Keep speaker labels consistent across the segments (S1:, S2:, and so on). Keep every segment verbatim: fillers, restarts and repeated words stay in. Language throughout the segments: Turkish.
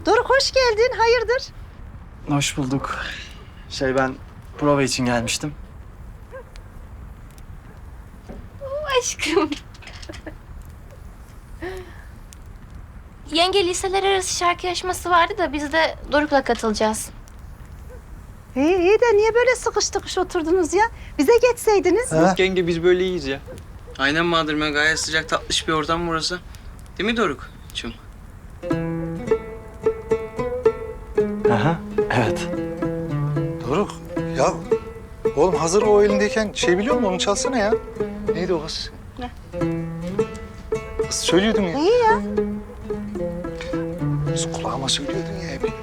S1: Doruk hoş geldin, hayırdır?
S2: Hoş bulduk. Şey ben prova için gelmiştim.
S3: Aşkım. Yenge liseler arası şarkı yarışması vardı da biz de Doruk'la katılacağız.
S1: İyi, iyi de niye böyle sıkış tıkış oturdunuz ya? Bize geçseydiniz.
S4: Yok yenge biz böyle iyiyiz ya.
S5: Aynen Madırme, gayet sıcak tatlış bir ortam burası. Değil mi Doruk'cum?
S2: Aha, evet.
S4: Doruk ya oğlum hazır o elindeyken şey biliyor musun onu çalsana ya. Neydi o kız?
S3: Ne?
S4: Kız söylüyordun ya.
S1: İyi ya.
S4: Kız kulağıma söylüyordun ya hep.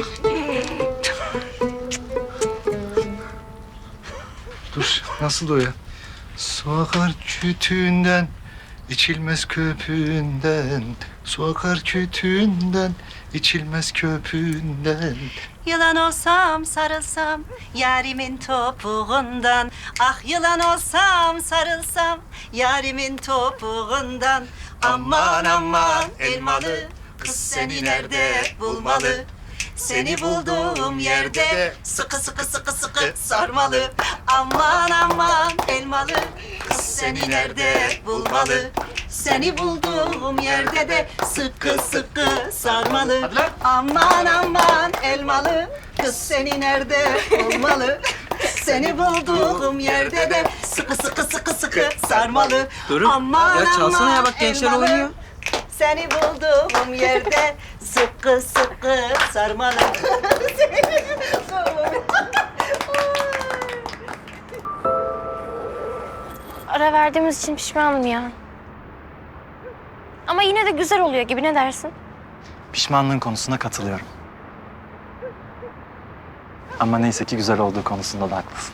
S4: Dur nasıl o ya? Su akar kütüğünden, içilmez köpüğünden. Su akar kütüğünden, içilmez köpüğünden.
S1: Yılan olsam sarılsam yarimin topuğundan. Ah yılan olsam sarılsam yarimin topuğundan. Aman aman elmalı kız seni nerede bulmalı? Seni bulduğum yerde sıkı sıkı sıkı sıkı sarmalı. Aman aman elmalı kız seni nerede bulmalı? Seni bulduğum yerde de sıkı sıkı sarmalı. Aman aman elmalı kız seni nerede bulmalı? Seni bulduğum yerde de sıkı sıkı sıkı sıkı sarmalı.
S5: Doruk,
S1: Aman
S5: ya çalsana ya, bak
S1: aman
S5: gençler
S1: elmalı,
S5: oynuyor.
S1: Seni bulduğum yerde sıkı sıkı sarmalı.
S3: Ara verdiğimiz için pişmanım ya. Ama yine de güzel oluyor gibi, ne dersin?
S2: Pişmanlığın konusuna katılıyorum. Ama neyse ki güzel olduğu konusunda da haklısın.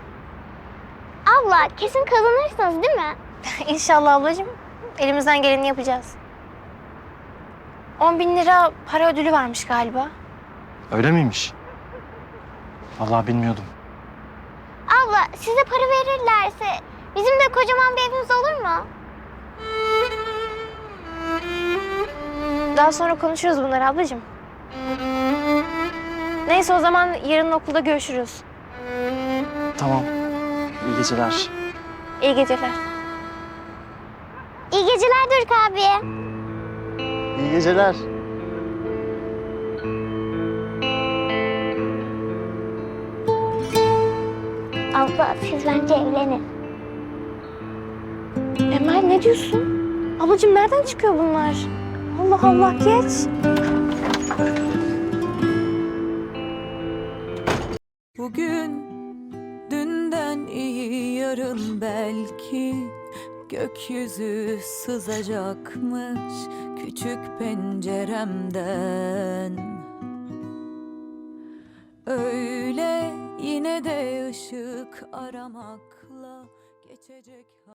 S6: Abla kesin kazanırsınız değil mi?
S3: İnşallah ablacığım. Elimizden geleni yapacağız. On bin lira para ödülü varmış galiba.
S2: Öyle miymiş? Vallahi bilmiyordum.
S6: Abla size para verirlerse bizim de kocaman bir evimiz olur mu?
S3: Daha sonra konuşuruz bunları ablacığım. Neyse o zaman yarın okulda görüşürüz.
S2: Tamam. İyi geceler.
S3: İyi geceler.
S6: İyi geceler Doruk abi.
S2: İyi geceler.
S6: Abla siz bence evlenin.
S3: Emel ne diyorsun? Ablacığım nereden çıkıyor bunlar? Allah Allah, geç.
S7: Bugün dünden iyi, yarın belki gökyüzü sızacakmış küçük penceremden. Öyle yine de ışık aramakla geçecek.